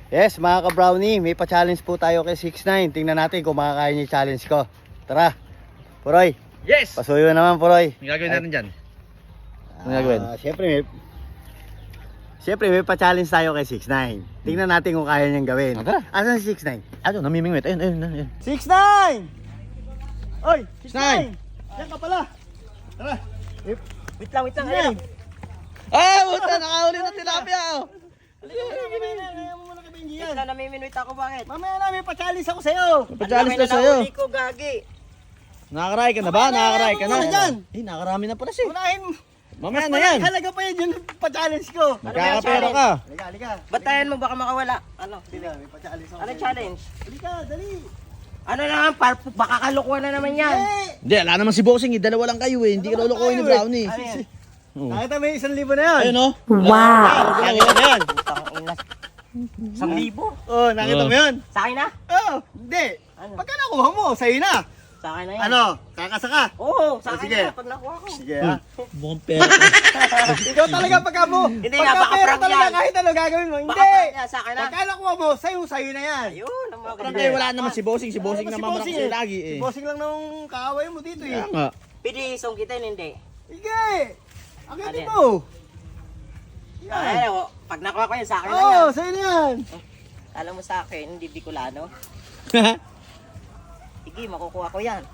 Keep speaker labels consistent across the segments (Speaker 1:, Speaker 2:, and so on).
Speaker 1: Yes, mga ka-brownie, may pa-challenge po tayo kay 6ix9ine. Tingnan natin kung makakaya niya yung challenge ko. Tara, Puroy.
Speaker 2: Yes!
Speaker 1: Pasuyo naman, Puroy.
Speaker 2: Ang gagawin natin dyan? Ang gagawin?
Speaker 1: Siyempre may pa-challenge tayo kay 6ix9ine. Tingnan natin kung kaya niyang gawin.
Speaker 2: Tara.
Speaker 1: Asan si 6ix9ine?
Speaker 2: Ano, namimingwit. Ayun.
Speaker 1: 6ix9ine! Oy,
Speaker 2: 6ix9ine!
Speaker 1: Yan ka pala. Tara.
Speaker 3: Wait lang.
Speaker 1: Ayun.
Speaker 2: Ah, buta, nakahuli na tilapia.
Speaker 3: Wait lang, namiminwit ako, bakit?
Speaker 1: Mamaya na, may pa-challenge ako sa'yo.
Speaker 2: Pa-challenge na sa'yo.
Speaker 3: Nahuli ko, gagi.
Speaker 2: Nakakaray ka na ba? Nakakaray ka na?
Speaker 1: Ano dyan?
Speaker 2: Eh, nakakarami na pala siya.
Speaker 1: Unahin.
Speaker 2: Mamaya na yan.
Speaker 1: Halaga pa yun yung pa-challenge ko.
Speaker 2: Magkakapera ka.
Speaker 1: Halika.
Speaker 3: Batayan mo, baka makawala. Ano?
Speaker 1: Halika, may pa-challenge ako.
Speaker 3: Ano
Speaker 1: sa'yo.
Speaker 3: challenge?
Speaker 1: Halika, dali.
Speaker 3: Ano naman, baka kalukuhan na naman yan.
Speaker 2: Hindi, ala naman si Bossing. Dalawa lang kayo eh. Hindi ka lulukoy ni Brownie.
Speaker 3: Ano yan?
Speaker 1: Nakita mo yung 1,000 na yun?
Speaker 2: Ayun oh.
Speaker 1: Wow. Nakita mo yun?
Speaker 3: Putang ina. 1,000?
Speaker 1: Oh, nakita mo yun?
Speaker 3: Sa akin na?
Speaker 1: Oo, hindi.
Speaker 3: Ano?
Speaker 1: Pagka nakuha mo, sa'yo na.
Speaker 3: Sa akin na yan.
Speaker 1: Ano, kakasaka?
Speaker 3: Oo, sa akin
Speaker 1: Sige.
Speaker 3: na, pag nakuha ko.
Speaker 1: Sige ha.
Speaker 2: Mukhang pera.
Speaker 1: Ikaw talaga pagka mo.
Speaker 3: Hindi
Speaker 1: Pagka
Speaker 3: nga, baka
Speaker 1: pera
Speaker 3: prank
Speaker 1: talaga
Speaker 3: yan.
Speaker 1: kahit ano gagawin mo.
Speaker 3: Baka
Speaker 1: Hindi.
Speaker 3: niya, sa akin na.
Speaker 1: Pagka nakuha mo, sa'yo na yan.
Speaker 3: Ayun, ang mga
Speaker 2: Parang
Speaker 3: ganyan.
Speaker 2: kayo wala naman si Bossing. Si Bossing
Speaker 1: Wala
Speaker 2: na
Speaker 1: naman
Speaker 2: mamarak
Speaker 1: si
Speaker 2: sa'yo
Speaker 1: Bossing
Speaker 2: lagi
Speaker 1: Si
Speaker 2: eh.
Speaker 1: Bossing lang nung kaaway mo dito eh.
Speaker 2: Kaya nga.
Speaker 3: Pwede isong kita, hindi.
Speaker 1: Sige. Akitin
Speaker 3: Ano
Speaker 1: mo. Yan.
Speaker 3: Ay, pag nakuha ko yan, sa akin na
Speaker 1: Oo,
Speaker 3: yan.
Speaker 1: sa'yo na yan.
Speaker 3: Alam mo sa akin, hindi Bicolano. Sige, makukuha ko yan.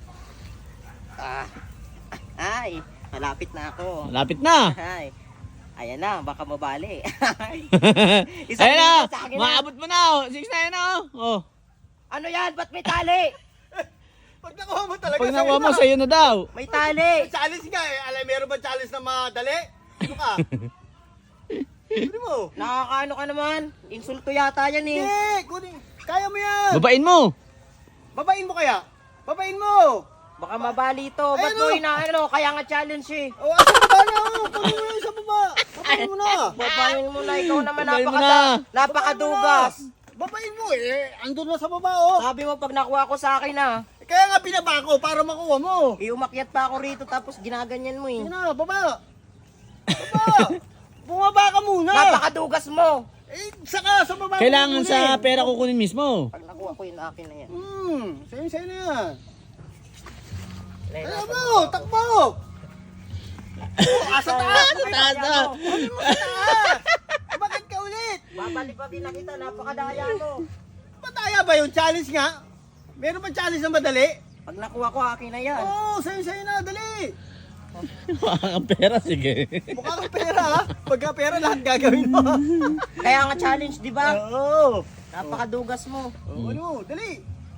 Speaker 3: Ay, malapit na ako.
Speaker 2: Malapit na.
Speaker 3: Ay, ayan na, baka mabali.
Speaker 2: Ayun na.
Speaker 3: sa akin na.
Speaker 2: Maabot mo na oh. 6ix9ine na oh.
Speaker 3: Ano yan? Ba't may tali?
Speaker 1: Pag nakuha mo talaga,
Speaker 2: Pag nakuha mo, sa'yo na daw.
Speaker 3: May tali.
Speaker 1: Challenge nga eh. Alam, meron ba challenge na madali? Ano ka? Kunin mo.
Speaker 3: Nakakaano ka naman? Insulto yata yan eh.
Speaker 1: Hindi, kunin. Kaya mo yan.
Speaker 2: Babain mo.
Speaker 1: Babain mo kaya? Babain mo.
Speaker 3: Baka mabali to. Ba't
Speaker 1: Ayun,
Speaker 3: mo
Speaker 1: oh.
Speaker 3: inaano? Kaya nga challenge eh.
Speaker 1: O, asa baba na ako. Pagin mo yan sa baba. Babain mo na.
Speaker 3: Babayin mo na. Ikaw naman
Speaker 2: Babayin mo
Speaker 3: napakadugas.
Speaker 1: Babain mo eh. Andun na sa baba oh.
Speaker 3: Sabi mo pag nakuha ko sa akin ah.
Speaker 1: Kaya nga pinaba ko para makuha mo.
Speaker 3: Iumakyat pa ako rito tapos ginaganyan mo eh.
Speaker 1: Sige na, baba. Baba. Bumaba ka muna.
Speaker 3: Napakadugas mo.
Speaker 1: Eh, saka sa baba.
Speaker 2: Kailangan
Speaker 1: mo
Speaker 2: sa
Speaker 1: muna eh.
Speaker 2: pera kukunin mismo.
Speaker 3: Pag nakuha ko yun akin na yan.
Speaker 1: Sa'yo na yan.
Speaker 3: Ayun,
Speaker 1: Ano mo, takbo. Oh, asa taas.
Speaker 2: Sa taas na.
Speaker 1: Kunin mo sa taas. Eh, bakit ka ulit?
Speaker 3: Babalibagin na kita, napakadaya mo.
Speaker 1: Pataya ba yung challenge nga? Meron ba challenge na madali?
Speaker 3: Pag nakuha ko akin na yan.
Speaker 1: Oo, sa'yo na, dali.
Speaker 2: Ang pera, sige.
Speaker 1: Mukha kang pera ha. Pagka pera lahat gagawin mo.
Speaker 3: Kaya nga challenge, di ba?
Speaker 1: Oo.
Speaker 3: Napakadugas mo.
Speaker 1: Ano, dali.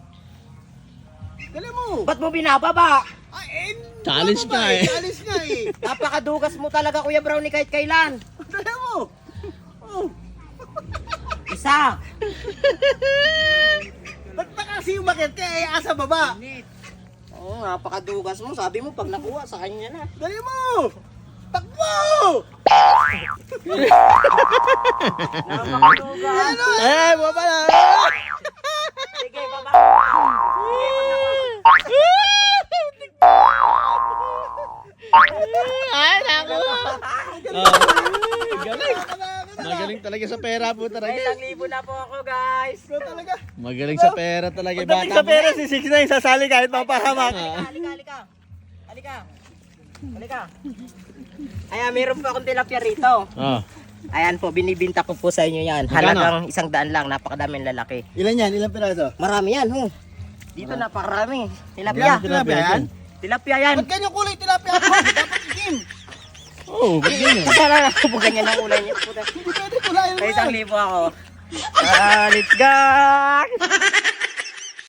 Speaker 1: Dali mo.
Speaker 3: Ba't mo binababa?
Speaker 1: Ay,
Speaker 2: Challenge
Speaker 1: ano ba
Speaker 2: nga eh.
Speaker 1: Challenge nga eh.
Speaker 3: Napakadugas mo talaga, Kuya Brownie, kahit kailan.
Speaker 1: Dali mo. Oh.
Speaker 3: Isa.
Speaker 1: Ba't pa kasi umakit ka eh, asa baba?
Speaker 3: Oo, napakadugas mo. Sabi mo, pag nakuha, sa kanya na.
Speaker 1: Dali mo. Takbo!
Speaker 3: Napakadugas.
Speaker 1: Ano?
Speaker 2: Eh, baba na.
Speaker 3: Sige, baba.
Speaker 2: Ay, naku. Galing. Magaling talaga sa pera po talaga.
Speaker 3: May 1,000 na po ako, guys.
Speaker 1: Ikaw talaga.
Speaker 2: Magaling sa pera talaga.
Speaker 1: Pagdating
Speaker 2: Bata
Speaker 1: sa pera si 6ix9ine sasali kahit mapahamak.
Speaker 3: Halika. Ayan, meron po akong tilapia rito.
Speaker 2: Oh.
Speaker 3: Ayan po, binibinta ko po sa inyo yan. Halagang 100 lang, napakadaming lalaki.
Speaker 1: Ilan yan? Ilang piraso?
Speaker 3: Marami yan, ho. Dito napakarami. Tilapia.
Speaker 1: Tilapia yan?
Speaker 3: Tilapia yan.
Speaker 1: Ba't ganyan kulay tilapia ako? Dapat itim.
Speaker 2: Oh, ganyan.
Speaker 3: Kasala na po ganyan ang ulay niya.
Speaker 1: Hindi pwede kulayan mo
Speaker 3: May
Speaker 1: yan.
Speaker 3: 1,000 ako. Let's go!